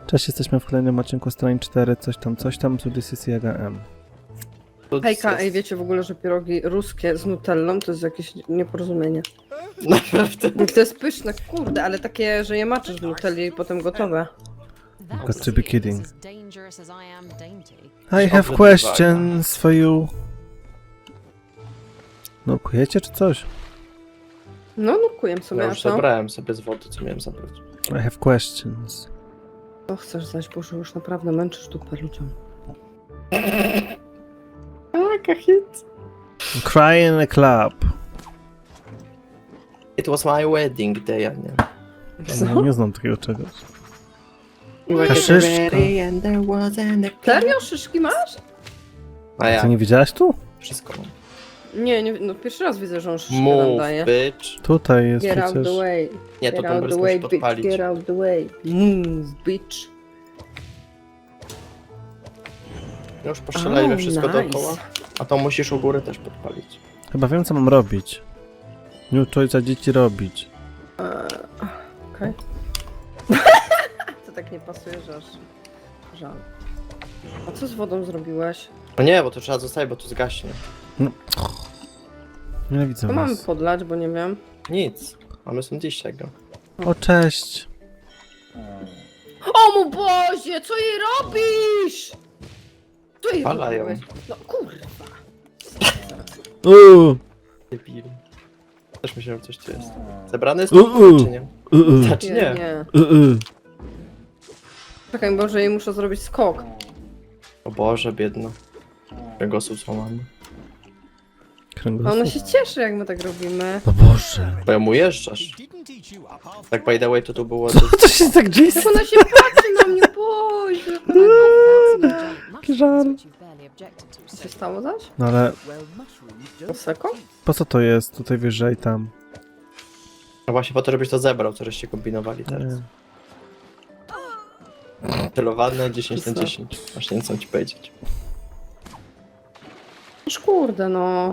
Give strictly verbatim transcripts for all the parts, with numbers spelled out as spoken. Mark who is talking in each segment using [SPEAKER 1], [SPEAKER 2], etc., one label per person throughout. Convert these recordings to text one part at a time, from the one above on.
[SPEAKER 1] Cześć, jesteśmy w kolejnym odcinku strony cztery, coś tam, coś tam, z This Jaga M.
[SPEAKER 2] Hejka, ej, wiecie w ogóle, że pierogi ruskie z nutellą to jest jakieś nieporozumienie.
[SPEAKER 3] Naprawdę.
[SPEAKER 2] To jest pyszne, kurde, ale takie, że je maczysz w nutelli i potem gotowe.
[SPEAKER 1] Got to be kidding. I
[SPEAKER 3] Dobre
[SPEAKER 1] have questions for you. No, kujecie czy coś?
[SPEAKER 2] No, nukuję sobie,
[SPEAKER 3] Ja
[SPEAKER 2] a
[SPEAKER 3] już
[SPEAKER 2] co?
[SPEAKER 3] zabrałem sobie z wody, co miałem zabrać.
[SPEAKER 1] I have questions.
[SPEAKER 2] Co chcesz zaś, Boże, już naprawdę męczysz dupę ludziom.
[SPEAKER 3] Jaka hit.
[SPEAKER 1] Cry in a club.
[SPEAKER 3] It was my wedding day, a nie.
[SPEAKER 1] No, nie znam takiego czegoś.
[SPEAKER 3] Like
[SPEAKER 1] Kaszyszka.
[SPEAKER 3] it ready and there wasn't a club.
[SPEAKER 2] Serio? Szyszki masz?
[SPEAKER 3] A ja,
[SPEAKER 1] Ty nie widziałaś tu?
[SPEAKER 3] wszystko mam.
[SPEAKER 2] Nie, nie, no pierwszy raz widzę, że on szyszki nam
[SPEAKER 3] Move,
[SPEAKER 2] daje.
[SPEAKER 3] bitch.
[SPEAKER 1] Tutaj jest
[SPEAKER 2] Get out
[SPEAKER 1] przecież...
[SPEAKER 2] the way,
[SPEAKER 3] Nie, to
[SPEAKER 2] get out
[SPEAKER 3] Tumblr
[SPEAKER 2] the
[SPEAKER 3] musi
[SPEAKER 2] way, bitch,
[SPEAKER 3] podpalić.
[SPEAKER 2] get out the way. Move, bitch.
[SPEAKER 3] Już postrzelajmy
[SPEAKER 2] Oh,
[SPEAKER 3] wszystko
[SPEAKER 2] nice.
[SPEAKER 3] dookoła. A to musisz u góry też podpalić.
[SPEAKER 1] Chyba wiem, co mam robić. New choice dzieci robić.
[SPEAKER 2] Okej. To tak nie pasuje, że aż żal. A co z wodą zrobiłeś?
[SPEAKER 3] No nie, bo to trzeba zostawić, bo to zgaśnie.
[SPEAKER 1] Nienawidzę
[SPEAKER 2] To mamy
[SPEAKER 1] was.
[SPEAKER 2] podlać, bo nie wiem.
[SPEAKER 3] Nic. Mamy są dziś tego.
[SPEAKER 1] O, cześć.
[SPEAKER 2] O mój Boże, co jej robisz? Co jej
[SPEAKER 3] Palają.
[SPEAKER 2] robiłeś? No kurwa.
[SPEAKER 1] Uuu,
[SPEAKER 3] Debil. Też myślałem, coś tu jest. Zebrany jest
[SPEAKER 1] U, u.
[SPEAKER 3] to, czy nie?
[SPEAKER 1] uuu,
[SPEAKER 3] Znaczy
[SPEAKER 2] Nie,
[SPEAKER 3] nie.
[SPEAKER 2] nie.
[SPEAKER 1] uuu.
[SPEAKER 2] Czekaj, Boże, jej muszę zrobić skok.
[SPEAKER 3] O Boże, biedno. Kręgosłup złamany.
[SPEAKER 2] A
[SPEAKER 1] Kręgosłup.
[SPEAKER 2] ona się cieszy, jak my tak robimy.
[SPEAKER 1] O Boże.
[SPEAKER 3] Bo ja mu jeżdżasz. Tak by the way to tu było...
[SPEAKER 1] Co to się tak dzieje?
[SPEAKER 2] Jak ona się patrzy na mnie, Boże.
[SPEAKER 1] Żal.
[SPEAKER 2] Co się stało zaś?
[SPEAKER 1] No ale
[SPEAKER 2] Seko?
[SPEAKER 1] po co to jest tutaj wyżej tam?
[SPEAKER 3] No właśnie po to, żebyś to zebrał, co żeście kombinowali teraz. Celowane dziesięć na dziesięć. Właśnie nie chcę ci powiedzieć.
[SPEAKER 2] Aż kurde, no.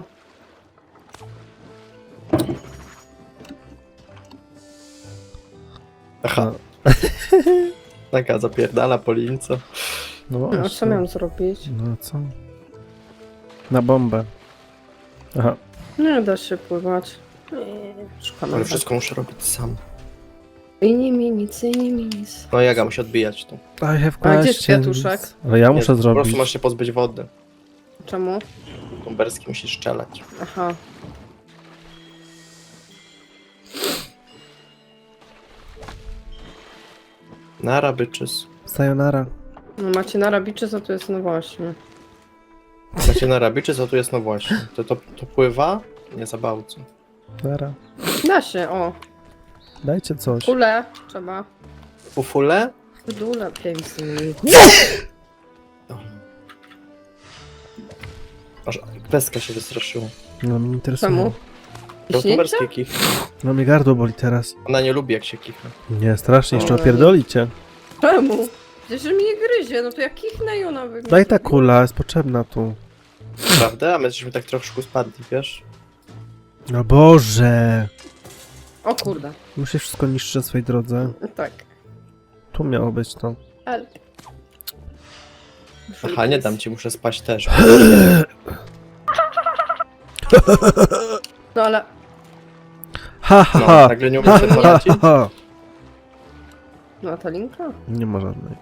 [SPEAKER 3] Aha. Taka zapierdala po lince.
[SPEAKER 1] No
[SPEAKER 2] No, co
[SPEAKER 1] właśnie.
[SPEAKER 2] miałam zrobić?
[SPEAKER 1] No co? Na bombę. Aha.
[SPEAKER 2] Nie da się pływać. Szkoda.
[SPEAKER 3] Ale wszystko muszę robić sam.
[SPEAKER 2] I nie mi nic, i nie mi nic.
[SPEAKER 3] No Jaga musi odbijać tu.
[SPEAKER 1] I have
[SPEAKER 2] A gdzie jest
[SPEAKER 1] questions.
[SPEAKER 2] kwiatuszek?
[SPEAKER 1] Ale ja
[SPEAKER 3] Nie,
[SPEAKER 1] muszę
[SPEAKER 3] Po
[SPEAKER 1] zrobić.
[SPEAKER 3] prostu masz się pozbyć wody.
[SPEAKER 2] Czemu?
[SPEAKER 3] Tumberski musi strzelać.
[SPEAKER 2] Aha.
[SPEAKER 3] Nara byczys.
[SPEAKER 1] Sayonara.
[SPEAKER 2] No macie na rabiczy, co to jest? No właśnie.
[SPEAKER 3] Macie na rabiczy, co tu jest? No właśnie. To, to, to pływa? Nie za bałce.
[SPEAKER 1] Nara.
[SPEAKER 2] Da się, o.
[SPEAKER 1] Dajcie coś.
[SPEAKER 2] Kule trzeba.
[SPEAKER 3] Ufule?
[SPEAKER 2] Dule piękny.
[SPEAKER 3] Aż peska się wystraszyła.
[SPEAKER 1] No mnie interesuje.
[SPEAKER 2] Czemu?
[SPEAKER 3] To
[SPEAKER 2] Śnięcie?
[SPEAKER 3] tumberski kich.
[SPEAKER 1] No mnie gardło boli teraz.
[SPEAKER 3] Ona nie lubi, jak się kicha.
[SPEAKER 1] Nie, strasznie, jeszcze
[SPEAKER 2] Oj.
[SPEAKER 1] opierdolicie.
[SPEAKER 2] Czemu? Przecież mnie gryzie, no to ja kichnę i ona wygląda.
[SPEAKER 1] Daj ta kula, jest potrzebna tu.
[SPEAKER 3] Prawda? A my żeśmy tak troszkę spadli, wiesz?
[SPEAKER 1] No Boże.
[SPEAKER 2] O kurde.
[SPEAKER 1] Muszę wszystko niszczyć na swojej drodze.
[SPEAKER 2] Tak.
[SPEAKER 1] Tu miało być to.
[SPEAKER 2] Ale...
[SPEAKER 3] Aha, nie dam ci, muszę spać też.
[SPEAKER 2] No ale...
[SPEAKER 1] Ha ha
[SPEAKER 3] No,
[SPEAKER 1] ha.
[SPEAKER 3] nagle nie
[SPEAKER 1] Ha
[SPEAKER 3] umiem sobie
[SPEAKER 1] ha
[SPEAKER 3] poradzić.
[SPEAKER 1] ha ha.
[SPEAKER 2] No a ta linka?
[SPEAKER 1] Nie ma żadnej.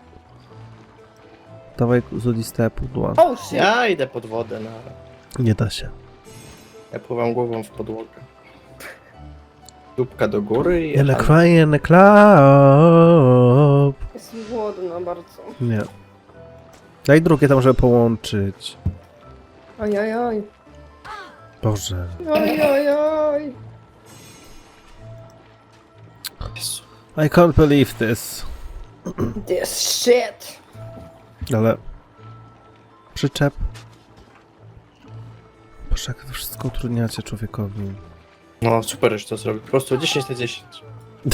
[SPEAKER 1] Dawaj złoliste pudła.
[SPEAKER 2] Oh shit!
[SPEAKER 3] Ja idę pod wodę, na.
[SPEAKER 1] Nie da się.
[SPEAKER 3] Ja pływam głową w podłogę. Dupka do góry i...
[SPEAKER 1] In a cry in a club.
[SPEAKER 2] Jestem głodna bardzo.
[SPEAKER 1] Nie. Daj drugie tam, żeby połączyć.
[SPEAKER 2] Oj, oj, oj.
[SPEAKER 1] Boże.
[SPEAKER 2] Oj, oj, oj.
[SPEAKER 3] Jezu.
[SPEAKER 1] I can't believe this.
[SPEAKER 2] This shit.
[SPEAKER 1] Ale... Przyczep. Boże, jak to wszystko utrudniacie człowiekowi.
[SPEAKER 3] No super, że to zrobił. Po prostu dziesięć na dziesięć.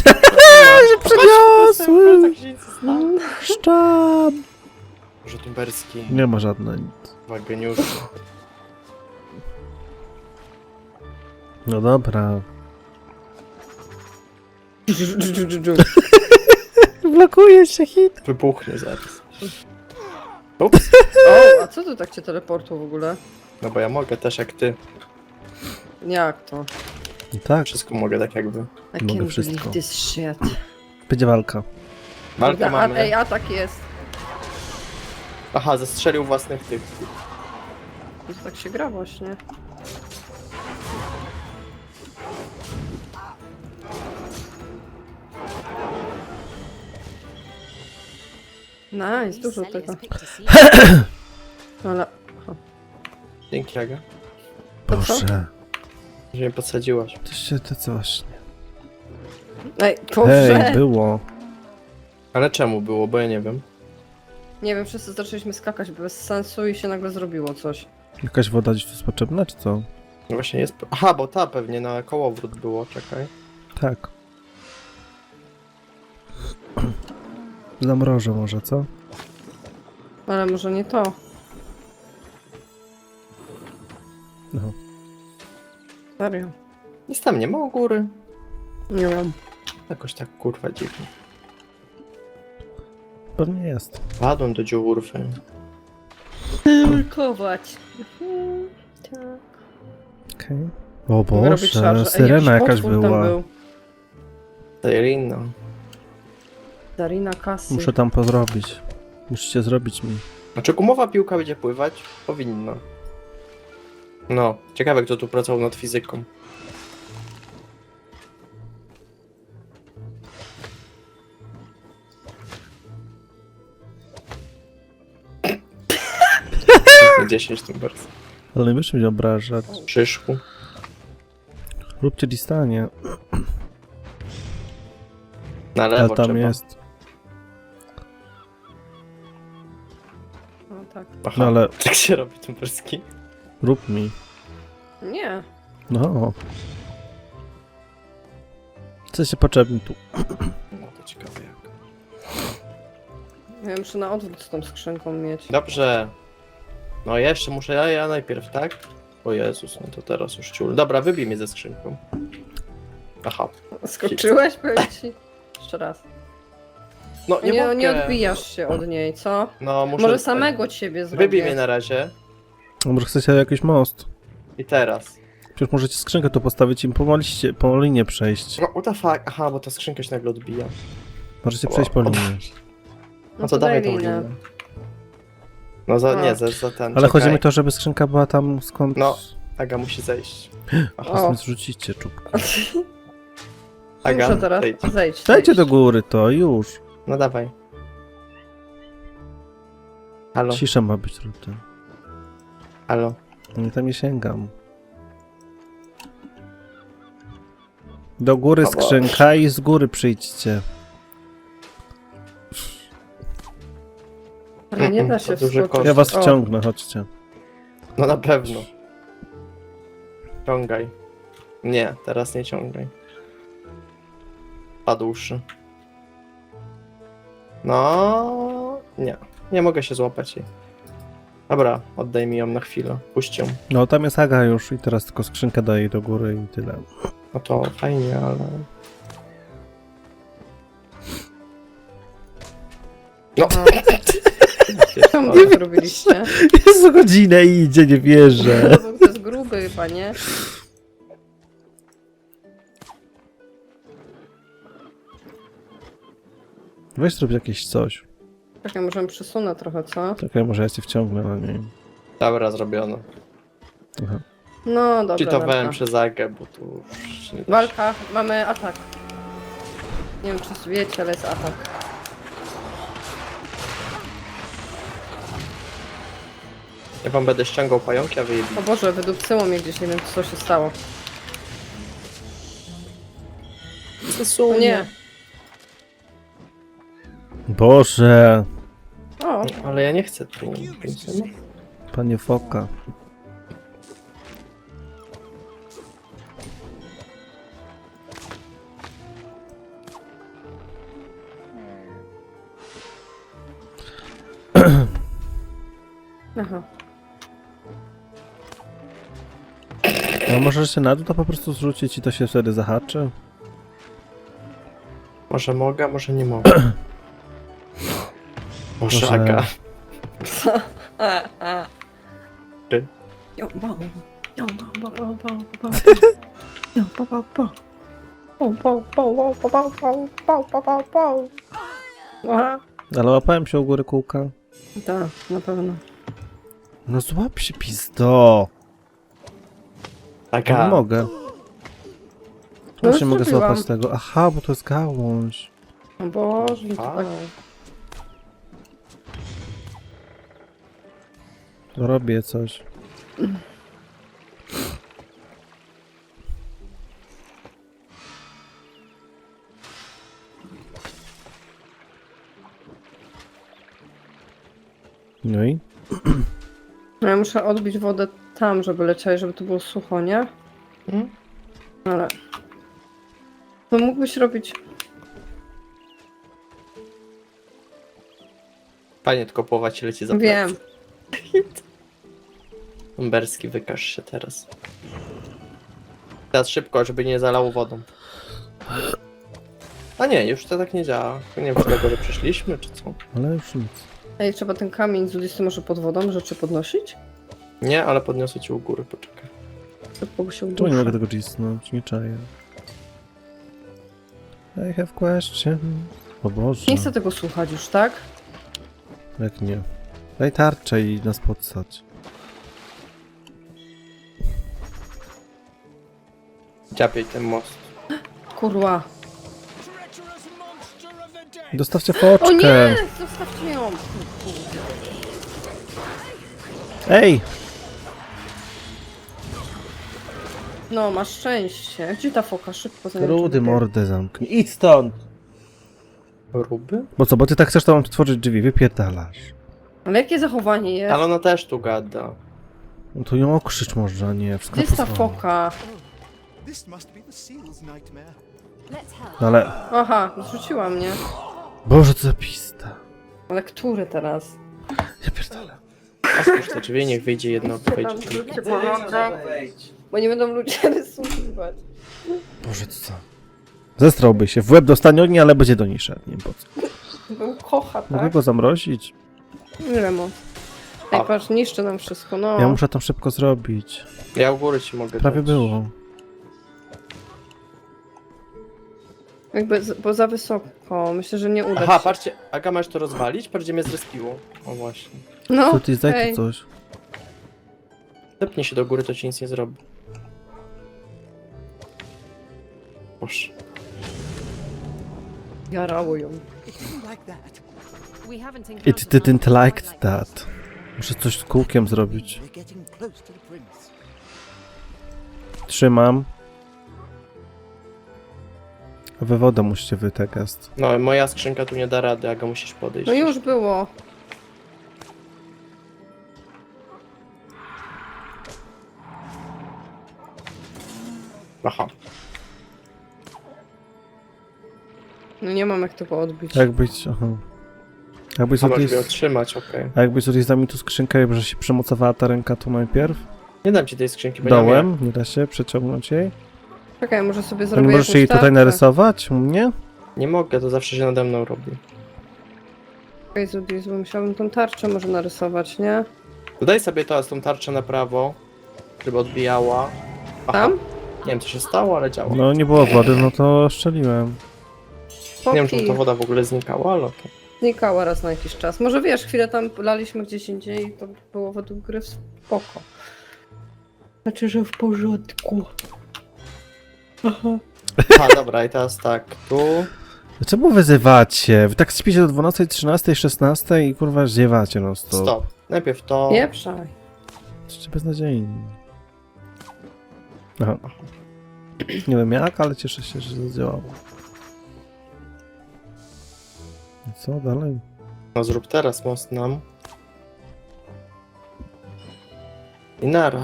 [SPEAKER 1] Przeniosły! Szczam!
[SPEAKER 3] Może tumberski.
[SPEAKER 1] Nie ma żadnej.
[SPEAKER 3] Dwa geniusze.
[SPEAKER 1] No dobra. Zablokuje się hit.
[SPEAKER 3] Wybuchnie zaraz. Ups.
[SPEAKER 2] O, a co tu tak cię teleportu w ogóle?
[SPEAKER 3] No bo ja mogę też jak ty.
[SPEAKER 2] Jak to?
[SPEAKER 1] No tak,
[SPEAKER 3] Wszystko mogę tak jakby.
[SPEAKER 2] I
[SPEAKER 1] Mogę
[SPEAKER 2] can't
[SPEAKER 1] wszystko.
[SPEAKER 2] believe this shit.
[SPEAKER 1] będzie walka.
[SPEAKER 3] Walkę
[SPEAKER 2] A,
[SPEAKER 3] mamy.
[SPEAKER 2] ej, atak jest.
[SPEAKER 3] Aha, zestrzelił własnych tych.
[SPEAKER 2] To tak się gra właśnie. Nice, dużo tego. Ale...
[SPEAKER 3] Dzięki, Aga,
[SPEAKER 2] To co?
[SPEAKER 1] Boże,
[SPEAKER 3] że mnie podsadziłaś.
[SPEAKER 1] to się to co właśnie.
[SPEAKER 2] Ej, Boże!
[SPEAKER 1] Hej, było.
[SPEAKER 3] Ale czemu było, bo ja nie wiem.
[SPEAKER 2] Nie wiem, wszyscy zaczęliśmy skakać bez sensu i się nagle zrobiło coś.
[SPEAKER 1] Jakaś woda gdzieś tu jest potrzebna, czy co?
[SPEAKER 3] No właśnie jest... Aha, bo ta pewnie na kołowrót było, czekaj.
[SPEAKER 1] Tak. Zamrożę może, co?
[SPEAKER 2] Ale może nie to.
[SPEAKER 1] No.
[SPEAKER 2] Serio.
[SPEAKER 3] Nic tam nie ma u góry.
[SPEAKER 2] Nie wiem.
[SPEAKER 3] Jakoś tak kurwa dziwnie.
[SPEAKER 1] Pewnie jest.
[SPEAKER 3] Padłem do dziurwy.
[SPEAKER 2] Nurkować. Tak.
[SPEAKER 1] Okej. O
[SPEAKER 2] Mogę robić
[SPEAKER 1] Boże,
[SPEAKER 2] szarże. Ej,
[SPEAKER 1] syrena
[SPEAKER 2] jakiś
[SPEAKER 1] jakaś
[SPEAKER 2] potwór tam
[SPEAKER 1] była.
[SPEAKER 2] był.
[SPEAKER 3] Sirena.
[SPEAKER 2] Darina Kasy.
[SPEAKER 1] Muszę tam pozrobić. Musicie zrobić mi.
[SPEAKER 3] Znaczy gumowa piłka będzie pływać? Powinna. No, ciekawe kto tu pracował nad fizyką. dziesięć tym bardzo.
[SPEAKER 1] Ale nie wiesz mnie obrażać.
[SPEAKER 3] Przyszku.
[SPEAKER 1] Róbcie distanie.
[SPEAKER 3] Na
[SPEAKER 1] A
[SPEAKER 3] lewo
[SPEAKER 1] tam
[SPEAKER 3] trzeba.
[SPEAKER 1] jest.
[SPEAKER 2] No tak.
[SPEAKER 3] Aha,
[SPEAKER 1] No ale
[SPEAKER 3] tak się robi tumperski.
[SPEAKER 1] rób mi.
[SPEAKER 2] Nie.
[SPEAKER 1] No. Co się potrzebni tu?
[SPEAKER 3] No to ciekawe jak.
[SPEAKER 2] Ja muszę na odwrót z tą skrzynką mieć.
[SPEAKER 3] Dobrze. No jeszcze muszę ja, ja najpierw, tak? O Jezus, no to teraz już ciul. Dobra, wybij mnie ze skrzynką. Aha.
[SPEAKER 2] Skoczyłeś, powiem ci? Jeszcze raz.
[SPEAKER 3] No nie,
[SPEAKER 2] Nie,
[SPEAKER 3] mogę.
[SPEAKER 2] nie odbijasz się od niej, co?
[SPEAKER 3] No muszę...
[SPEAKER 2] Może samego ciebie zrobię.
[SPEAKER 3] Wybij mnie na razie.
[SPEAKER 1] No, może chcecie jakiś most?
[SPEAKER 3] I teraz.
[SPEAKER 1] Przecież możecie skrzynkę tu postawić i po, liście, po linie przejść.
[SPEAKER 3] No what the fuck? Aha, bo ta skrzynka się nagle odbija.
[SPEAKER 1] Możecie przejść po
[SPEAKER 3] O,
[SPEAKER 1] linie.
[SPEAKER 3] No to dawaj tą
[SPEAKER 2] linę.
[SPEAKER 3] linę. No za,
[SPEAKER 2] A.
[SPEAKER 3] nie, za, za ten.
[SPEAKER 1] Ale
[SPEAKER 3] czekaj.
[SPEAKER 1] chodzi mi to, żeby skrzynka była tam skąd...
[SPEAKER 3] No. Aga musi zejść. Aha.
[SPEAKER 1] Teraz
[SPEAKER 2] O.
[SPEAKER 1] mi zrzucicie czubkę.
[SPEAKER 3] Aga,
[SPEAKER 2] Muszę teraz
[SPEAKER 3] zejdź.
[SPEAKER 2] zejść.
[SPEAKER 1] Dajcie
[SPEAKER 2] zejść.
[SPEAKER 1] do góry to, już.
[SPEAKER 3] No dawaj. Halo,
[SPEAKER 1] Cisza ma być tutaj.
[SPEAKER 3] halo.
[SPEAKER 1] Nie tam nie sięgam. Do góry
[SPEAKER 3] O Boże.
[SPEAKER 1] skrzynka i z góry przyjdźcie.
[SPEAKER 2] Ale nie da
[SPEAKER 3] Mm,
[SPEAKER 2] się
[SPEAKER 3] to duży
[SPEAKER 2] wskoczyć.
[SPEAKER 1] Ja was
[SPEAKER 2] O,
[SPEAKER 1] wciągnę, chodźcie.
[SPEAKER 3] No na pewno. Ciągaj. Nie, teraz nie ciągaj. Padłszy. No, nie. Nie mogę się złapać jej. Dobra, oddaj mi ją na chwilę. Puść ją.
[SPEAKER 1] No tam jest Aga już i teraz tylko skrzynkę daję do góry i tyle.
[SPEAKER 3] No to fajnie, ale... No.
[SPEAKER 2] Co mu tak robiliście?
[SPEAKER 1] Jest godzinę i idzie, nie wierzę.
[SPEAKER 2] No, bo to jest gruby chyba, nie?
[SPEAKER 1] Weź zrób jakieś coś.
[SPEAKER 2] Czekaj, możemy przesunę trochę, co?
[SPEAKER 1] Czekaj, może ja cię wciągnę, ale nie wiem.
[SPEAKER 3] Dobra, zrobiono.
[SPEAKER 1] Aha.
[SPEAKER 2] No dobra,
[SPEAKER 3] Cheatowałem
[SPEAKER 2] dobra.
[SPEAKER 3] przez Agę, bo tu już nie da się.
[SPEAKER 2] Walka, mamy atak. Nie wiem, czy wiecie, ale jest atak.
[SPEAKER 3] Ja wam będę ściągał pająki, a wy je
[SPEAKER 2] O Boże, wydupcyło mnie gdzieś, nie wiem, co się stało. O nie.
[SPEAKER 1] Boże,
[SPEAKER 2] O,
[SPEAKER 3] Ale ja nie chcę tu. Więc no.
[SPEAKER 1] panie foka.
[SPEAKER 2] aha.
[SPEAKER 1] No możesz się na dół to po prostu zrzucić i to się wtedy zahaczy?
[SPEAKER 3] Może mogę, a może nie mogę. Boże,
[SPEAKER 1] Boże.
[SPEAKER 3] Aga.
[SPEAKER 2] A, a.
[SPEAKER 3] Ty?
[SPEAKER 2] Ją, bą. Ją, bą, bą, bą, bą, bą. Ją, bą, bą, bą. Bą, bą, bą, bą, bą, bą, bą, bą, bą, bą. Aha.
[SPEAKER 1] Ale łapałem się u góry kółka.
[SPEAKER 2] Tak, na pewno.
[SPEAKER 1] No złap się, pizdo.
[SPEAKER 3] Aga.
[SPEAKER 1] Nie mogę.
[SPEAKER 2] No
[SPEAKER 1] Tu się
[SPEAKER 2] już
[SPEAKER 1] mogę
[SPEAKER 2] zrobiłam.
[SPEAKER 1] złapać tego. Aha, bo to jest gałąź.
[SPEAKER 2] O Boże, to
[SPEAKER 3] A.
[SPEAKER 2] tak.
[SPEAKER 1] Robię coś. No i?
[SPEAKER 2] No ja muszę odbić wodę tam, żeby leciała, żeby to było sucho, nie?
[SPEAKER 3] Hmm?
[SPEAKER 2] Ale... To mógłbyś robić...
[SPEAKER 3] Fajnie, tylko połowa ci leci za
[SPEAKER 2] Wiem.
[SPEAKER 3] plecy. Umberski, wykaż się teraz. Teraz szybko, żeby nie zalało wodą. A nie, już to tak nie działa. Nie wiem, czy tego, że przyszliśmy, czy co.
[SPEAKER 1] Ale już nic.
[SPEAKER 2] Ej, trzeba ten kamień z listy może pod wodą rzeczy podnosić?
[SPEAKER 3] Nie, ale podniosę ci u góry, poczekaj.
[SPEAKER 2] Bo się
[SPEAKER 1] Czemu nie mogę
[SPEAKER 2] uduszę.
[SPEAKER 1] tego cisnąć? Nie czaję. I have question. O Boże.
[SPEAKER 2] Nie chcę tego słuchać już, tak?
[SPEAKER 1] Jak nie? Daj tarczę i nas podsać.
[SPEAKER 3] Dziapiej ten most.
[SPEAKER 2] Kurwa.
[SPEAKER 1] Dostawcie
[SPEAKER 2] O
[SPEAKER 1] foczkę!
[SPEAKER 2] nie! Zostawcie ją!
[SPEAKER 1] Ej!
[SPEAKER 2] No, masz szczęście. Gdzie ta foka? Szybko za nią
[SPEAKER 1] Rudy
[SPEAKER 2] trzeba biegać.
[SPEAKER 1] mordę zamknij. Idź stąd!
[SPEAKER 3] Ruby?
[SPEAKER 1] Bo co, bo ty tak chcesz, to mam otworzyć drzwi, wypierdalasz.
[SPEAKER 2] Ale jakie zachowanie jest?
[SPEAKER 3] Ale ona też tu gada.
[SPEAKER 1] No to ją okrzycz może, nie? Wszystko
[SPEAKER 2] Gdzie jest ta
[SPEAKER 1] posłane.
[SPEAKER 2] foka?
[SPEAKER 4] This must be the seal's nightmare.
[SPEAKER 1] No ale...
[SPEAKER 2] Aha, zrzuciła mnie.
[SPEAKER 1] Boże, co za pista.
[SPEAKER 2] Ale który teraz?
[SPEAKER 1] Ja pierdolę.
[SPEAKER 3] Otwórz te drzwi, niech wyjdzie jedno, wejdzie drugie.
[SPEAKER 2] Bo nie będą ludzie rysować.
[SPEAKER 1] Boże, co za... Zestrałby się. W łeb dostanie ognia, ale będzie do niej szedł. Nie wiem po co.
[SPEAKER 2] Był kocha,
[SPEAKER 1] Mogę
[SPEAKER 2] tak?
[SPEAKER 1] go zamrozić?
[SPEAKER 2] Ile ma? Ej,
[SPEAKER 3] A.
[SPEAKER 2] patrz, niszczy nam wszystko, no.
[SPEAKER 1] Ja muszę tam szybko zrobić.
[SPEAKER 3] Ja u góry ci mogę
[SPEAKER 1] Prawie
[SPEAKER 3] dać.
[SPEAKER 1] było.
[SPEAKER 2] Jakby, z- bo za wysoko. Myślę, że nie uda
[SPEAKER 3] Aha,
[SPEAKER 2] się.
[SPEAKER 3] patrzcie, Aga, masz to rozwalić? Patrz, gdzie mnie zrespiło. O właśnie.
[SPEAKER 2] No,
[SPEAKER 1] Co ty, zdaj
[SPEAKER 2] ej.
[SPEAKER 1] tu coś.
[SPEAKER 3] Zepnij się do góry, to ci nic nie zrobi. Boże.
[SPEAKER 2] Jarało ją.
[SPEAKER 4] It didn't like that.
[SPEAKER 1] It didn't like that. Muszę coś z kółkiem zrobić.
[SPEAKER 4] We're getting close to the prince.
[SPEAKER 1] Trzymam. A wy wodę musicie wytegast.
[SPEAKER 3] No, moja skrzynka tu nie da rady, Aga, musisz podejść.
[SPEAKER 2] No już było.
[SPEAKER 3] Aha.
[SPEAKER 2] No nie mam jak tego odbić.
[SPEAKER 1] Jak być, aha. Jakbyś
[SPEAKER 3] A masz
[SPEAKER 1] tutaj...
[SPEAKER 3] mnie otrzymać, okej.
[SPEAKER 1] A jakbyś tutaj mi tu skrzynkę, że się przemocowała ta ręka tu najpierw?
[SPEAKER 3] Nie dam ci tej skrzynki, bo nie mam jak.
[SPEAKER 1] Dołem? Nie da się przeciągnąć jej?
[SPEAKER 2] Czekaj, może sobie
[SPEAKER 1] To
[SPEAKER 2] zrobię
[SPEAKER 1] nie możesz
[SPEAKER 2] jakąś
[SPEAKER 1] jej tutaj
[SPEAKER 2] tarczę.
[SPEAKER 1] narysować? U mnie?
[SPEAKER 3] Nie mogę, to zawsze się nade mną robi.
[SPEAKER 2] Czekaj, Zudis, bo musiałabym tą tarczę może narysować, nie?
[SPEAKER 3] Dodaj sobie teraz tą tarczę na prawo, żeby odbijała. Aha.
[SPEAKER 2] Tam?
[SPEAKER 3] Nie wiem, co się stało, ale działa.
[SPEAKER 1] No nie było wody, no to szczeliłem.
[SPEAKER 3] Nie wiem,
[SPEAKER 2] Foki.
[SPEAKER 3] czy ta woda w ogóle znikała, ale to...
[SPEAKER 2] Znikała raz na jakiś czas. Może wiesz, chwilę tam laliśmy gdzieś indziej i to było według gry spoko. Znaczy, że w porządku.
[SPEAKER 3] A, dobra, i teraz tak, tu...
[SPEAKER 1] Czemu wyzywacie? Wy tak śpicie do dwunastej, trzynastej, szesnastej i kurwa ziewacie no stop.
[SPEAKER 3] Stop. Najpierw to...
[SPEAKER 2] Pieprzaj.
[SPEAKER 1] Jesteście beznadziejni. Aha. Nie wiem jak, ale cieszę się, że zadziałało. I co dalej?
[SPEAKER 3] No zrób teraz most nam. I nara.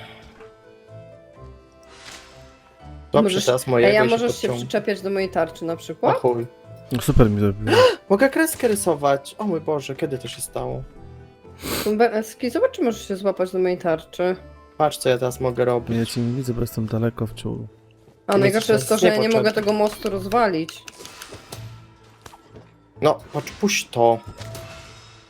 [SPEAKER 3] Dobrze,
[SPEAKER 2] Możesz-
[SPEAKER 3] teraz
[SPEAKER 2] Ej,
[SPEAKER 3] mojego
[SPEAKER 2] a
[SPEAKER 3] i
[SPEAKER 2] możesz się
[SPEAKER 3] podciągnę.
[SPEAKER 2] przyczepiać do mojej tarczy na
[SPEAKER 3] O
[SPEAKER 2] przykład?
[SPEAKER 3] chuj.
[SPEAKER 1] No super mi zrobiło.
[SPEAKER 3] Mogę kreskę rysować. O mój Boże, kiedy to się stało?
[SPEAKER 2] Ski, zobacz, czy możesz się złapać do mojej tarczy.
[SPEAKER 3] Patrz, co ja teraz mogę robić.
[SPEAKER 1] Ja cię nie widzę, bo jestem daleko w czuł.
[SPEAKER 2] A
[SPEAKER 3] Nie
[SPEAKER 2] najgorsze
[SPEAKER 3] chcesz
[SPEAKER 2] jest to, że ja nie
[SPEAKER 3] początku.
[SPEAKER 2] mogę tego mostu rozwalić.
[SPEAKER 3] No, patrz, puść to.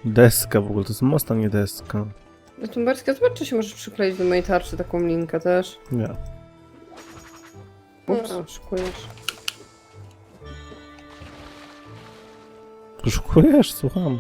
[SPEAKER 1] Deska w ogóle, to jest most, a nie deska.
[SPEAKER 2] Tumberska, zobacz, czy się możesz przykleić do mojej tarczy taką linkę też.
[SPEAKER 1] Nie.
[SPEAKER 2] Ups. No, szykujesz.
[SPEAKER 1] Szukujesz? Słucham.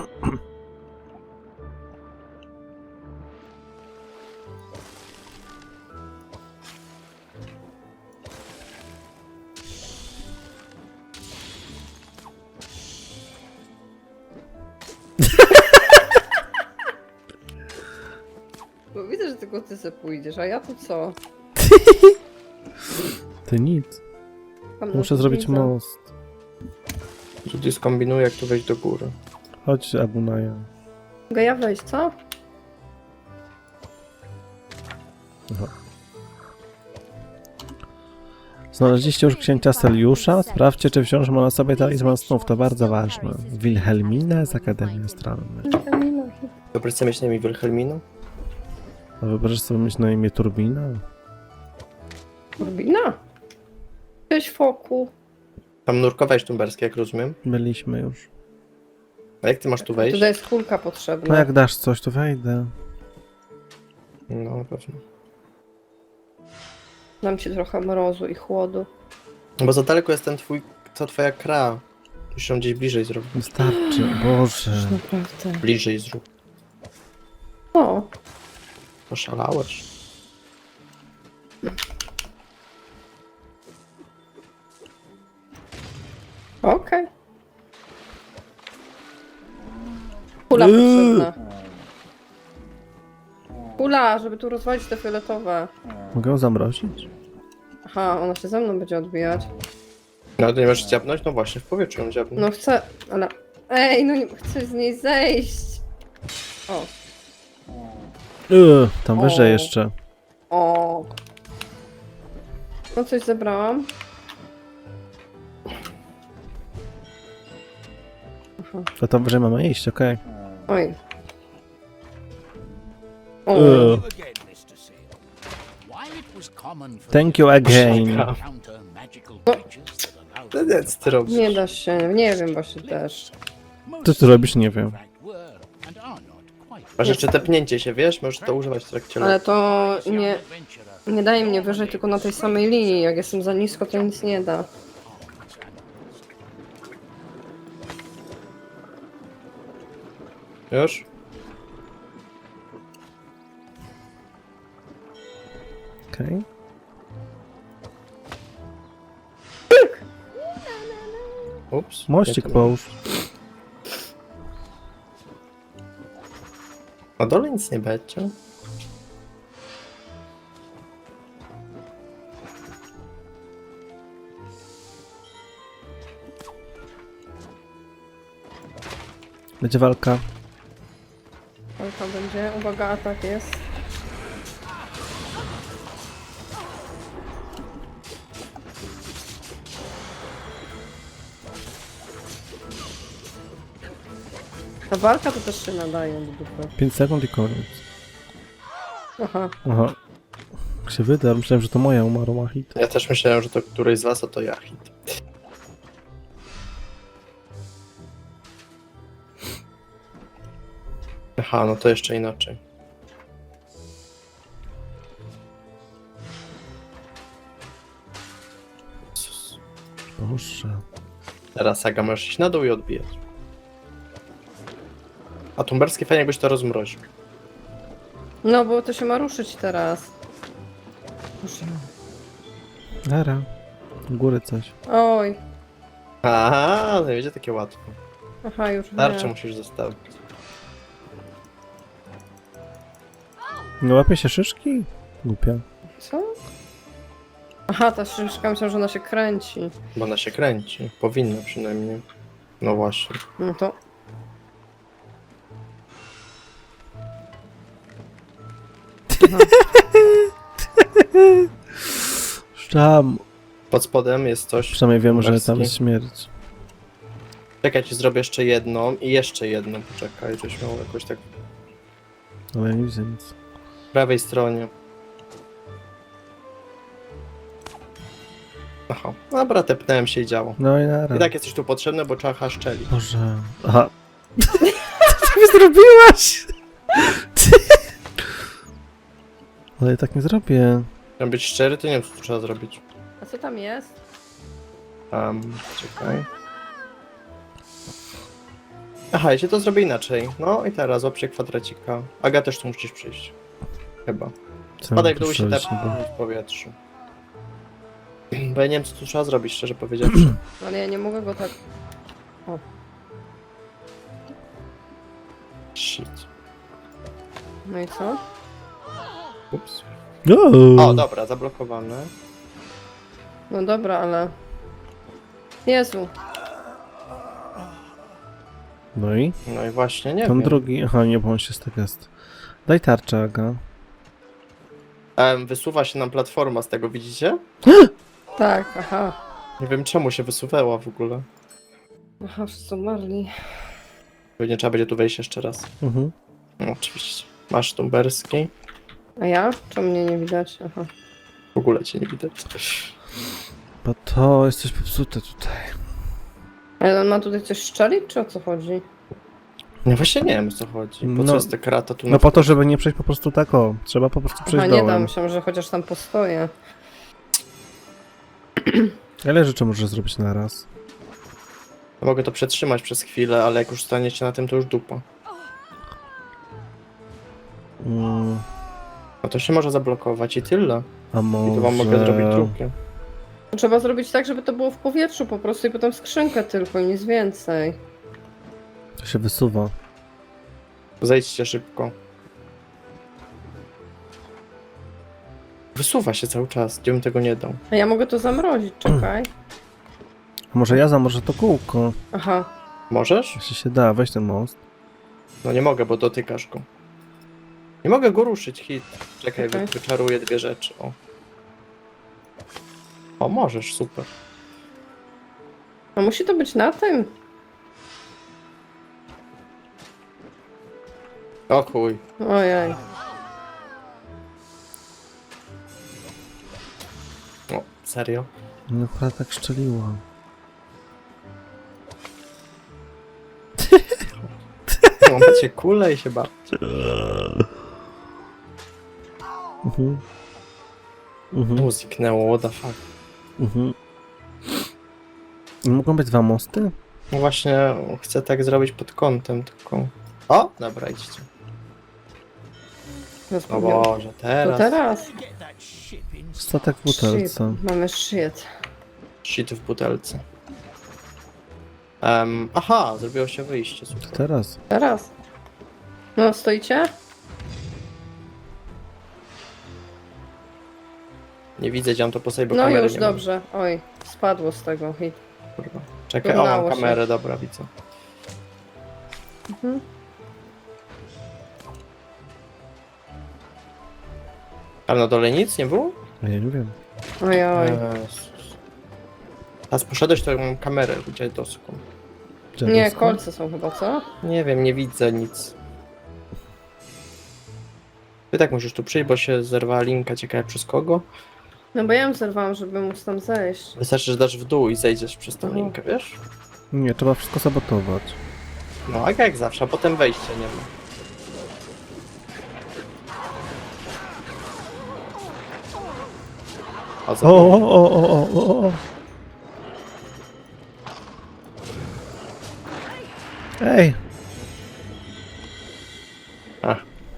[SPEAKER 2] Bo widzę, że tylko ty se pójdziesz, a ja tu co?
[SPEAKER 1] Ty nic.
[SPEAKER 2] Tam
[SPEAKER 1] Muszę
[SPEAKER 2] na
[SPEAKER 1] zrobić
[SPEAKER 2] widzę.
[SPEAKER 1] most.
[SPEAKER 3] Tutaj skombinuję, jak tu wejść do góry.
[SPEAKER 1] Chodź, Abunaja.
[SPEAKER 2] Mogę ja wejść, co?
[SPEAKER 1] Aha. Znaleźliście już księcia Seliusza? Sprawdźcie, czy wciąż ma na sobie talizman snów. To bardzo ważne. Wilhelmina z Akademii Astralnej.
[SPEAKER 3] Wyobraź sobie mieć na imię Wilhelminu?
[SPEAKER 1] A wyobrażasz sobie mieć na imię Turbina?
[SPEAKER 2] Turbina? Cześć, foku.
[SPEAKER 3] Tam nurkowałeś tumberskie, jak rozumiem.
[SPEAKER 1] Byliśmy już.
[SPEAKER 3] A jak ty masz tu wejść?
[SPEAKER 2] Tutaj jest kulka
[SPEAKER 1] No
[SPEAKER 2] potrzebna.
[SPEAKER 1] jak dasz coś, to wejdę.
[SPEAKER 3] No, na pewno.
[SPEAKER 2] Dam ci trochę mrozu i chłodu.
[SPEAKER 3] Bo za daleko jest ten twój, ta twoja kra. Musisz ją gdzieś bliżej zrobić.
[SPEAKER 1] Wystarczy, Boże.
[SPEAKER 2] Naprawdę.
[SPEAKER 3] Bliżej zrób.
[SPEAKER 2] O,
[SPEAKER 3] Oszalałeś.
[SPEAKER 2] okej. Kula
[SPEAKER 1] Yy.
[SPEAKER 2] potrzebna. Kula, żeby tu rozwalić te fioletowe.
[SPEAKER 1] Mogę ją zamrozić?
[SPEAKER 2] Aha, ona się ze mną będzie odbijać.
[SPEAKER 3] No to nie możesz dziabnąć? No właśnie, w powietrzu ją dziabnąć.
[SPEAKER 2] No chcę, ale... Ej, no nie chcę z niej zejść. O,
[SPEAKER 1] Yy, tam wyżej
[SPEAKER 2] O.
[SPEAKER 1] jeszcze.
[SPEAKER 2] o. No coś zebrałam.
[SPEAKER 1] To tam wyżej mamy iść, okej.
[SPEAKER 2] Oj. O.
[SPEAKER 1] Yy.
[SPEAKER 5] again, mister Seal. While it was common for
[SPEAKER 1] Thank you again.
[SPEAKER 5] to encounter magical creatures that allowed
[SPEAKER 3] To nie, co ty robisz?
[SPEAKER 2] Nie da się, nie wiem właśnie też.
[SPEAKER 1] Co ty robisz? Nie wiem.
[SPEAKER 5] were and are not quite
[SPEAKER 3] Masz jeszcze tepnięcie się, wiesz? Możesz to używać w trakcie
[SPEAKER 2] Ale
[SPEAKER 3] lotu.
[SPEAKER 2] to nie,
[SPEAKER 5] adventurer.
[SPEAKER 2] nie daje mnie wyżej tylko na tej samej linii. Jak jestem za nisko, to nic nie da.
[SPEAKER 3] Już?
[SPEAKER 1] Okej.
[SPEAKER 3] Ups.
[SPEAKER 1] Mościk
[SPEAKER 3] Nie, to-
[SPEAKER 1] połóż.
[SPEAKER 3] Na dole nic nie będzie.
[SPEAKER 1] Będzie walka.
[SPEAKER 2] Ale tam będzie, uwaga, atak jest. Ta walka to też się nadaje do dupy.
[SPEAKER 1] pięć sekund i koniec.
[SPEAKER 2] Aha.
[SPEAKER 1] Aha. Jak się wyda, myślałem, że to moja umarła hit.
[SPEAKER 3] Ja też myślałem, że to któryś z was, a to ja hit. Aha, no to jeszcze inaczej. Jezus.
[SPEAKER 1] Boże.
[SPEAKER 3] Teraz Aga możesz iść na dół i odbijać. A tumberskie fajnie jakbyś to rozmroził.
[SPEAKER 2] No bo to się ma ruszyć teraz. Boże.
[SPEAKER 1] Dara. U góry coś.
[SPEAKER 2] Oj.
[SPEAKER 3] Aha, nie będzie takie łatwe.
[SPEAKER 2] Aha, już
[SPEAKER 3] Tarczę
[SPEAKER 2] nie.
[SPEAKER 3] musisz zostawić.
[SPEAKER 1] Nie łapie się szyszki? Głupia.
[SPEAKER 2] Co? Aha, ta szyszka, myślałam, że ona się kręci.
[SPEAKER 3] Bo ona się kręci. Powinna przynajmniej. No właśnie.
[SPEAKER 2] No to...
[SPEAKER 1] Tam.
[SPEAKER 3] Pod spodem jest coś.
[SPEAKER 1] Przynajmniej wiem, że tam
[SPEAKER 3] Tumberski.
[SPEAKER 1] jest śmierć.
[SPEAKER 3] Czekaj, ci zrobię jeszcze jedną i jeszcze jedną. Poczekaj, żeś miał jakoś tak
[SPEAKER 1] Ale ja nie widzę nic.
[SPEAKER 3] w prawej stronie. Aha, dobra, tepnąłem się i działo.
[SPEAKER 1] No i nara.
[SPEAKER 3] I tak jesteś tu potrzebny, bo trzeba haszczeli.
[SPEAKER 1] Boże. Aha. zrobiłaś? Ale ja tak nie zrobię.
[SPEAKER 3] Chciałem być szczery, to nie wiem, co tu trzeba zrobić.
[SPEAKER 2] A co tam jest?
[SPEAKER 3] Um, czekaj. Aha, ja się to zrobię inaczej. No i teraz łapcie kwadracika. Aga, też tu musisz przyjść. Chyba.
[SPEAKER 1] Co
[SPEAKER 3] Spadaj
[SPEAKER 1] mam
[SPEAKER 3] w dół i się
[SPEAKER 1] tu
[SPEAKER 3] tepnij
[SPEAKER 1] przeżyć,
[SPEAKER 3] w powietrzu. Bo ja nie wiem, co tu trzeba zrobić, szczerze powiedziawszy.
[SPEAKER 2] Ale ja nie mogę go tak...
[SPEAKER 3] Shit.
[SPEAKER 2] No i co?
[SPEAKER 3] Ups.
[SPEAKER 1] bo-
[SPEAKER 3] O, dobra, zablokowane.
[SPEAKER 2] No dobra, ale... Jezu.
[SPEAKER 1] No i?
[SPEAKER 3] No i właśnie, nie
[SPEAKER 1] Tam
[SPEAKER 3] wiem.
[SPEAKER 1] drugi. Aha, nie, bo on się z tego jest. Daj tarczę, Aga.
[SPEAKER 3] Em, wysuwa się nam platforma z tego, widzicie?
[SPEAKER 2] Tak, aha.
[SPEAKER 3] Nie wiem, czemu się wysuwała w ogóle.
[SPEAKER 2] Aha, wszyscy umarli.
[SPEAKER 3] Pewnie trzeba będzie tu wejść jeszcze raz.
[SPEAKER 1] Mhm.
[SPEAKER 3] No, oczywiście. Masz tumberski.
[SPEAKER 2] A ja? Czemu mnie nie widać? Aha.
[SPEAKER 3] W ogóle cię nie widać.
[SPEAKER 1] Bo to jest coś popsute tutaj.
[SPEAKER 2] Ale on ma tutaj coś szczelić, czy o co chodzi?
[SPEAKER 3] No właśnie nie wiem, o co chodzi. Po
[SPEAKER 1] No-
[SPEAKER 3] co jest ta krata tu
[SPEAKER 1] No
[SPEAKER 3] na
[SPEAKER 1] po to, żeby nie przejść po prostu tak o. Trzeba po prostu
[SPEAKER 2] Aha,
[SPEAKER 1] przejść
[SPEAKER 2] nie dam,
[SPEAKER 1] dołem.
[SPEAKER 2] myślałam, że chociaż tam postoję.
[SPEAKER 1] Ile rzeczy możesz zrobić na raz?
[SPEAKER 3] Mogę to przetrzymać przez chwilę, ale jak już staniecie na tym, to już dupa.
[SPEAKER 1] Mm,
[SPEAKER 3] No to się może zablokować i tyle.
[SPEAKER 1] a
[SPEAKER 3] I
[SPEAKER 1] może...
[SPEAKER 3] to wam mogę zrobić drugie.
[SPEAKER 2] Trzeba zrobić tak, żeby to było w powietrzu po prostu i potem skrzynkę tylko i nic więcej.
[SPEAKER 1] To się wysuwa.
[SPEAKER 3] Zejdźcie szybko. Wysuwa się cały czas, gdzie bym tego nie dał.
[SPEAKER 2] A ja mogę to zamrozić, czekaj.
[SPEAKER 1] A może ja zamorzę to kółko?
[SPEAKER 2] Aha.
[SPEAKER 3] Możesz?
[SPEAKER 1] Jeśli się da, weź ten most.
[SPEAKER 3] No nie mogę, bo dotykasz go. Nie mogę go ruszyć, hit. Czekaj,
[SPEAKER 2] Okej.
[SPEAKER 3] wy- wyczaruję dwie rzeczy, o. O, możesz, super.
[SPEAKER 2] A musi to być na tym?
[SPEAKER 3] O chuj.
[SPEAKER 2] Ojej.
[SPEAKER 3] O, serio?
[SPEAKER 1] No akurat tak szczeliło.
[SPEAKER 3] No, macie kulę i się bawcie.
[SPEAKER 1] Mhm. Mhm.
[SPEAKER 3] Mu zniknęło, what the fuck.
[SPEAKER 1] Mhm. Nie mogą być dwa mosty?
[SPEAKER 3] No właśnie, chcę tak zrobić pod kątem, tylko... O, dobra, idźcie.
[SPEAKER 2] No
[SPEAKER 3] O Boże,
[SPEAKER 2] To
[SPEAKER 3] teraz.
[SPEAKER 2] teraz.
[SPEAKER 5] Get that ship in.
[SPEAKER 1] Statek w
[SPEAKER 2] Shit.
[SPEAKER 1] butelce.
[SPEAKER 2] Mamy shit.
[SPEAKER 3] Shit w butelce. Um, aha, zrobiło się wyjście,
[SPEAKER 1] To
[SPEAKER 3] super.
[SPEAKER 1] teraz.
[SPEAKER 2] Teraz. No, stoicie?
[SPEAKER 3] Nie widzę, gdzie mam to po sobie, bo
[SPEAKER 2] No
[SPEAKER 3] kamery
[SPEAKER 2] już,
[SPEAKER 3] nie mam.
[SPEAKER 2] dobrze. Oj, spadło z tego. Hit.
[SPEAKER 3] Kurwa. Czekaj, o, mam
[SPEAKER 2] Udało się.
[SPEAKER 3] kamerę, dobra, widzę.
[SPEAKER 2] Mhm.
[SPEAKER 3] Ale na dole nic nie było?
[SPEAKER 1] A ja nie wiem.
[SPEAKER 2] Oj, oj.
[SPEAKER 3] Jezus. Teraz poszedłeś, to mam kamerę dziadowską.
[SPEAKER 2] Nie,
[SPEAKER 1] Dziadowską?
[SPEAKER 2] kolce są chyba, co?
[SPEAKER 3] Nie wiem, nie widzę nic. Ty tak musisz tu przyjść, bo się zerwała linka, ciekawe przez kogo.
[SPEAKER 2] No bo ja ją zerwałam, żeby móc tam zejść.
[SPEAKER 3] Wystarczy, że dasz w dół i zejdziesz przez tą
[SPEAKER 2] Mhm.
[SPEAKER 3] linkę, wiesz?
[SPEAKER 1] Nie, trzeba wszystko sabotować.
[SPEAKER 3] No, a jak zawsze, a potem wejścia nie ma. O,
[SPEAKER 1] O,
[SPEAKER 3] co?
[SPEAKER 1] o, o, o, o, o, o. Ej!
[SPEAKER 3] A.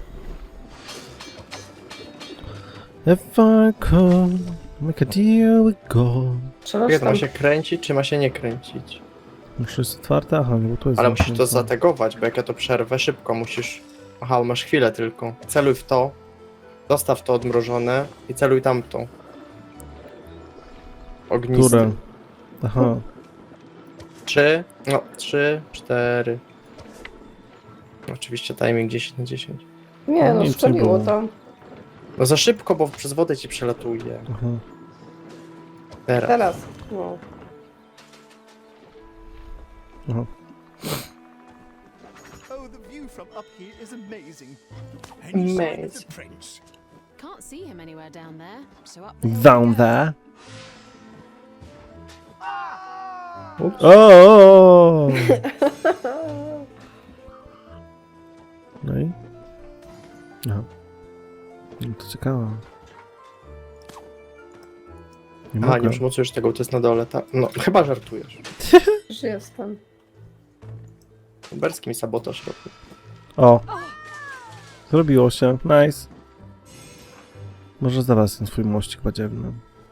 [SPEAKER 1] If I could make a deal with God.
[SPEAKER 2] Trzeba
[SPEAKER 3] Jak to
[SPEAKER 2] tam...
[SPEAKER 3] ma się kręcić, czy ma się nie kręcić?
[SPEAKER 1] Muszę jest otwarte? Aha, nie, bo tu jest
[SPEAKER 3] Ale musisz to
[SPEAKER 1] zamknięte.
[SPEAKER 3] zategować, bo jak ja to przerwę, szybko musisz... Aha, masz chwilę tylko. Celuj w to, zostaw to odmrożone i celuj tamtą. Ognistym.
[SPEAKER 1] Które? Aha.
[SPEAKER 3] Trzy, no, trzy, cztery. Oczywiście timing dziesięć na dziesięć.
[SPEAKER 2] Nie, no
[SPEAKER 1] Nic nie
[SPEAKER 2] strzeliło
[SPEAKER 1] było.
[SPEAKER 2] tam.
[SPEAKER 3] No za szybko, bo przez wodę ci przelatuje.
[SPEAKER 1] Aha.
[SPEAKER 3] Teraz.
[SPEAKER 2] Teraz. No.
[SPEAKER 1] Aha.
[SPEAKER 4] Oh, the view from up here is amazing.
[SPEAKER 5] Any sign of
[SPEAKER 3] Amazing.
[SPEAKER 5] the prince?
[SPEAKER 6] Can't see him anywhere down there, so up there. we
[SPEAKER 1] Down
[SPEAKER 6] go.
[SPEAKER 1] there.
[SPEAKER 3] Ups.
[SPEAKER 1] O! No i? Aha. No to ciekawe. Nie
[SPEAKER 3] Aha, nie
[SPEAKER 1] mogę.
[SPEAKER 3] przymocujesz tego, to jest na dole, tak? No, chyba żartujesz.
[SPEAKER 2] Już jestem.
[SPEAKER 3] Berski mi sabotaż robi.
[SPEAKER 1] O! Zrobiło się. Nice. Może za was ten swój mościk badziewny.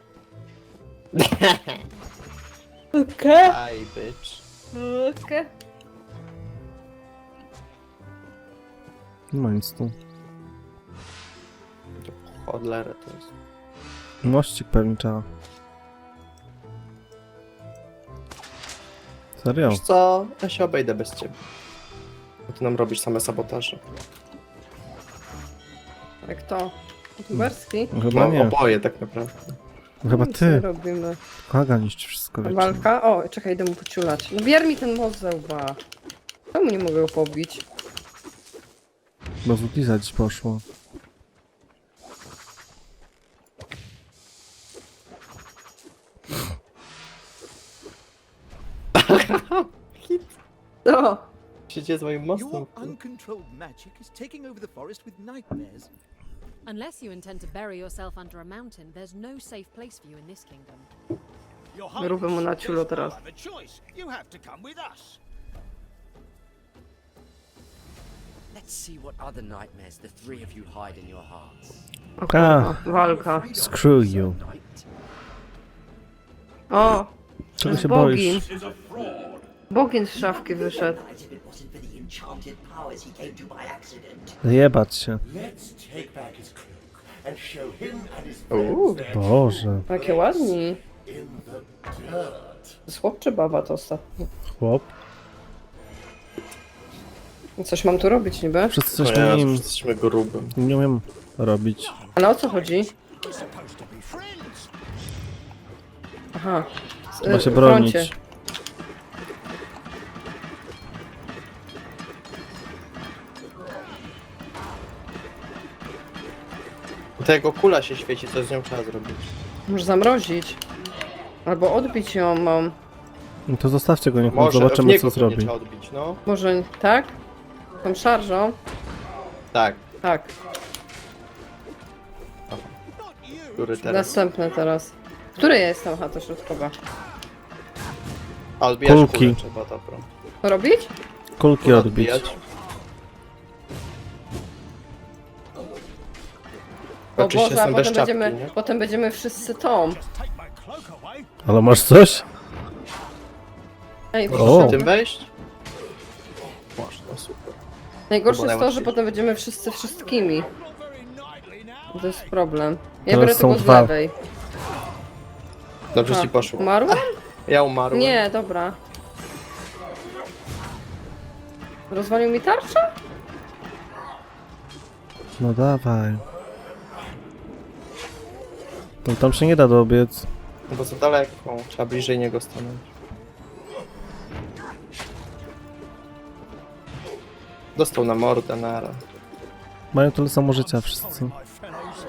[SPEAKER 2] Okej.
[SPEAKER 3] Aj, bitch.
[SPEAKER 2] Okej.
[SPEAKER 1] Nie ma nic tu.
[SPEAKER 3] Chodlerę to jest.
[SPEAKER 1] Mościk pewnie trzeba. Serio?
[SPEAKER 3] Wiesz co? Ja się obejdę bez ciebie. Bo ty nam robisz same sabotaże.
[SPEAKER 2] Jak to? Tuberski?
[SPEAKER 1] Chyba
[SPEAKER 3] No,
[SPEAKER 1] nie.
[SPEAKER 3] oboje tak naprawdę.
[SPEAKER 1] Chyba
[SPEAKER 2] Co
[SPEAKER 1] ty.
[SPEAKER 2] robimy?
[SPEAKER 1] Kaga niszczy wszystko wiecznie.
[SPEAKER 2] Walka? O, czekaj, idę mu pociulać. No bier mi ten most ze łba. Czemu nie mogę go pobić?
[SPEAKER 1] Bo w Liza dziś poszło.
[SPEAKER 2] O!
[SPEAKER 3] Co się dzieje z moim mostem?
[SPEAKER 4] Your uncontrolled magic is taking over the forest with nightmares.
[SPEAKER 6] Unless you intend to bury yourself under a mountain, there's no safe place for you in this kingdom.
[SPEAKER 2] Róbmy mu na ciulo teraz.
[SPEAKER 5] have a choice. You have to come with us.
[SPEAKER 7] Let's see what other nightmares the three of you hide in your hearts.
[SPEAKER 2] O
[SPEAKER 1] A.
[SPEAKER 2] kurwa, walka.
[SPEAKER 1] Screw you.
[SPEAKER 7] Night.
[SPEAKER 2] O!
[SPEAKER 1] Czego się
[SPEAKER 2] Bogin.
[SPEAKER 1] boisz?
[SPEAKER 2] Bogin z szafki wyszedł.
[SPEAKER 8] If it wasn't for the enchanted powers he came to by accident.
[SPEAKER 1] Jebać się.
[SPEAKER 9] Let's take back his cloak and show him and his
[SPEAKER 2] Uuu,
[SPEAKER 9] friends
[SPEAKER 1] Boże.
[SPEAKER 2] jakie ładni.
[SPEAKER 9] in the dirt.
[SPEAKER 2] To jest chłop czy baba to ostatnio?
[SPEAKER 1] Chłop.
[SPEAKER 2] Coś mam tu robić niby?
[SPEAKER 1] Wszyscy
[SPEAKER 3] No
[SPEAKER 1] coś
[SPEAKER 3] ja,
[SPEAKER 1] nim
[SPEAKER 3] jesteśmy grubym.
[SPEAKER 1] nie umiem robić.
[SPEAKER 2] Ale o co chodzi?
[SPEAKER 5] We're supposed to be friends.
[SPEAKER 2] Aha. Z-
[SPEAKER 1] Trzeba się
[SPEAKER 2] w
[SPEAKER 1] bronić.
[SPEAKER 2] froncie.
[SPEAKER 3] To jego kula się świeci, co z nią trzeba zrobić?
[SPEAKER 2] Może zamrozić. Albo odbić ją mam.
[SPEAKER 1] No to zostawcie go, niech on
[SPEAKER 3] Może, w
[SPEAKER 1] zobaczymy
[SPEAKER 3] niego
[SPEAKER 1] co
[SPEAKER 3] pewnie
[SPEAKER 1] zrobi.
[SPEAKER 3] trzeba odbić, no.
[SPEAKER 2] Może tak? Tą szarżą?
[SPEAKER 3] Tak,
[SPEAKER 2] Tak.
[SPEAKER 3] który teraz.
[SPEAKER 2] Następne teraz. Które ja jestem? Aha, to środkowa.
[SPEAKER 3] A odbijać
[SPEAKER 1] Kulki.
[SPEAKER 3] kulę trzeba, dobra.
[SPEAKER 2] To robić?
[SPEAKER 1] Kulki
[SPEAKER 3] Kulę
[SPEAKER 1] odbić.
[SPEAKER 3] odbijać.
[SPEAKER 2] O
[SPEAKER 3] Oczywiście
[SPEAKER 2] Boże, a
[SPEAKER 3] jestem bez
[SPEAKER 2] potem
[SPEAKER 3] czapki,
[SPEAKER 2] będziemy,
[SPEAKER 3] nie?
[SPEAKER 2] potem będziemy wszyscy tą.
[SPEAKER 5] Take my cloak away.
[SPEAKER 1] Ale masz coś?
[SPEAKER 2] Ej,
[SPEAKER 1] O.
[SPEAKER 3] Możesz tym wejść? Można, super.
[SPEAKER 2] najgorsze
[SPEAKER 3] Chyba
[SPEAKER 2] jest to, że
[SPEAKER 3] najłatwiej.
[SPEAKER 2] potem będziemy wszyscy wszystkimi.
[SPEAKER 5] Not very knightly now.
[SPEAKER 2] To jest problem. Ja
[SPEAKER 1] Teraz
[SPEAKER 2] biorę
[SPEAKER 1] są
[SPEAKER 2] tego z
[SPEAKER 1] dwa.
[SPEAKER 2] lewej.
[SPEAKER 3] Dobrze
[SPEAKER 2] A,
[SPEAKER 3] ci poszło.
[SPEAKER 2] Umarłam?
[SPEAKER 3] Ja umarłem.
[SPEAKER 2] Nie, dobra. Rozwalił mi tarczę?
[SPEAKER 1] No dawaj. No tam się nie da dobiec.
[SPEAKER 3] No bo za daleko, trzeba bliżej niego stanąć. Dostał na mordę, nara.
[SPEAKER 1] Mają tyle samo życia wszyscy.
[SPEAKER 5] My fellows.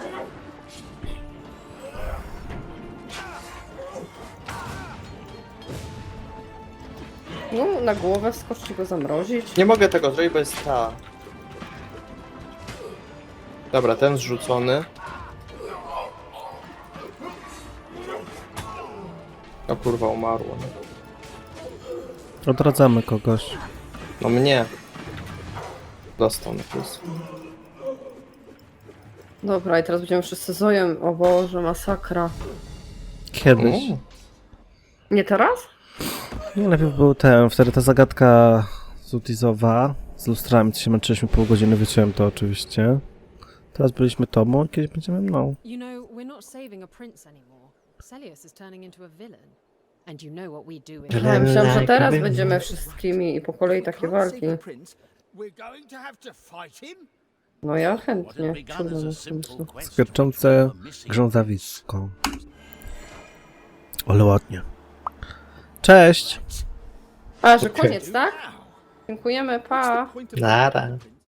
[SPEAKER 2] No, na głowę wskoczyć i go zamrozić.
[SPEAKER 3] Nie mogę tego zrobić, bo jest ta. Dobra, ten zrzucony. O kurwa, umarło.
[SPEAKER 1] Odradzamy kogoś.
[SPEAKER 3] No mnie. Dostał na plus.
[SPEAKER 2] Dobra, i teraz będziemy wszyscy zojem. O Boże, masakra.
[SPEAKER 1] Kiedyś.
[SPEAKER 3] Mm.
[SPEAKER 2] Nie teraz?
[SPEAKER 1] Nie, lepiej był ten, wtedy ta zagadka zutizowa. Z lustrami, co się męczyliśmy pół godziny, wyciąłem to oczywiście. Teraz byliśmy tobą, a kiedyś będziemy mną.
[SPEAKER 6] You know, we're not saving a prince anymore. Celius is turning into a villain. And you know what we do in
[SPEAKER 2] Ja myślałam, że teraz będziemy wszystkimi i po kolei takie
[SPEAKER 5] Can't
[SPEAKER 2] walki.
[SPEAKER 5] save the prince. We're going to have to fight him.
[SPEAKER 2] No ja
[SPEAKER 5] What
[SPEAKER 2] chętnie.
[SPEAKER 5] had begun
[SPEAKER 2] Trudno
[SPEAKER 5] as a
[SPEAKER 2] na
[SPEAKER 5] simple
[SPEAKER 2] pomysł.
[SPEAKER 5] quest
[SPEAKER 1] Skwierczące
[SPEAKER 5] for a missing
[SPEAKER 1] grzązawisko. Ale ładnie. Cześć!
[SPEAKER 2] A, że
[SPEAKER 3] Okej.
[SPEAKER 2] koniec, tak? Dziękujemy, pa!
[SPEAKER 3] Nara.